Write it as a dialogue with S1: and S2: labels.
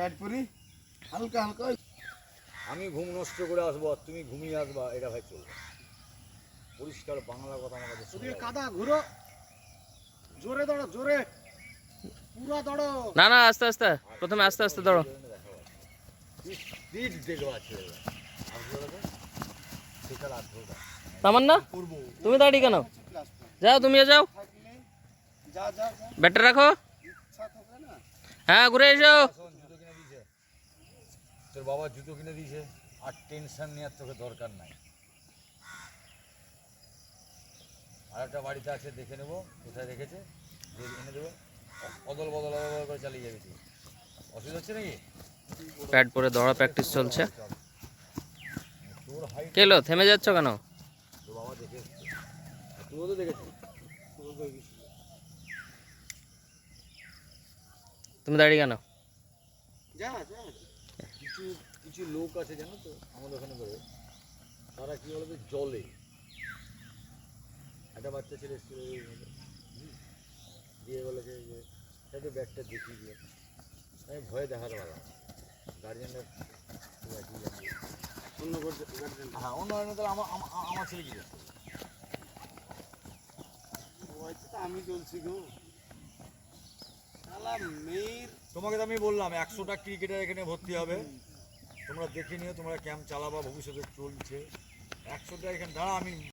S1: Tight করি হালকা হালকা।
S2: আমি ঘুম নষ্ট করে আসবো আর তুমি ঘুমিয়ে আসবা, এটা ভাই চলবে। পরিষ্কার বাংলা কথা আমার কাছে শোনা
S1: ওদিকে
S2: যাবে।
S1: কাদা ঘুরো, জোরে দৌড়ো, জোরে পুরো দৌড়ো।
S3: না না, আস্তে আস্তে, প্রথমে আস্তে আস্তে দৌড়ো।
S2: স্পিড দেখো আছে সেটার আগ্রহটা
S3: তামান্না,
S2: করবো।
S3: তুমি দাঁড়িয়ে কেন? যাও, তুমিও যাও,
S1: যা যা যা,
S3: ব্যাটটা রাখো।
S1: ইচ্ছা থাকে না।
S3: হ্যাঁ, ঘুরে এসো।
S2: শোন, জুতো কিনে দিয়েছে তোর বাবা, জুতো কিনে দিয়েছে, আর টেনশন নেওয়ার তোকে দরকার নাই। আর একটা বাড়িতে আছে, দেখে নেবো কোথায় রেখেছে, যে এনে দেবো। অদল বদল করে চালিয়ে যাবি তুই, অসুবিধা হচ্ছে নাকি?
S3: প্যাড পরে দৌড়া প্র্যাকটিস চলছে।
S2: চল। তোর হাইট
S3: কেলো, থেমে যাচ্ছ কেন?
S2: তোর বাবা দেখে এসছে, আর তুইও তো দেখেছিস।
S3: তুমি দাঁড়িয়ে কেন?
S1: যা যা।
S2: কিছু কিছু লোক আছে জানো তো আমাদের ওখানে করে, তারা কি বলবে, জলে একটা বাচ্চা ছেলে এসেছিল দিয়ে বলেছে যে একটু ব্যাগটা দেখিয়ে দিয়ে, আমি ভয়ে দেখাতে পারলাম গার্জেনরা।
S1: অন্য গার্জেন
S2: হ্যাঁ, অন্য অন্য তাহলে আমার ছেলে কি করছে?
S1: ওইটা তো আমি চলছি গো। শালা মেয়ের
S2: তোমাকে তো আমি বললাম 100টা ক্রিকেটার এখানে ভর্তি হবে, তোমরা দেখে নিও, তোমরা ক্যাম্প চালাবা, ভবিষ্যতে চলছে 100টা এখানে। দাঁড়া, আমি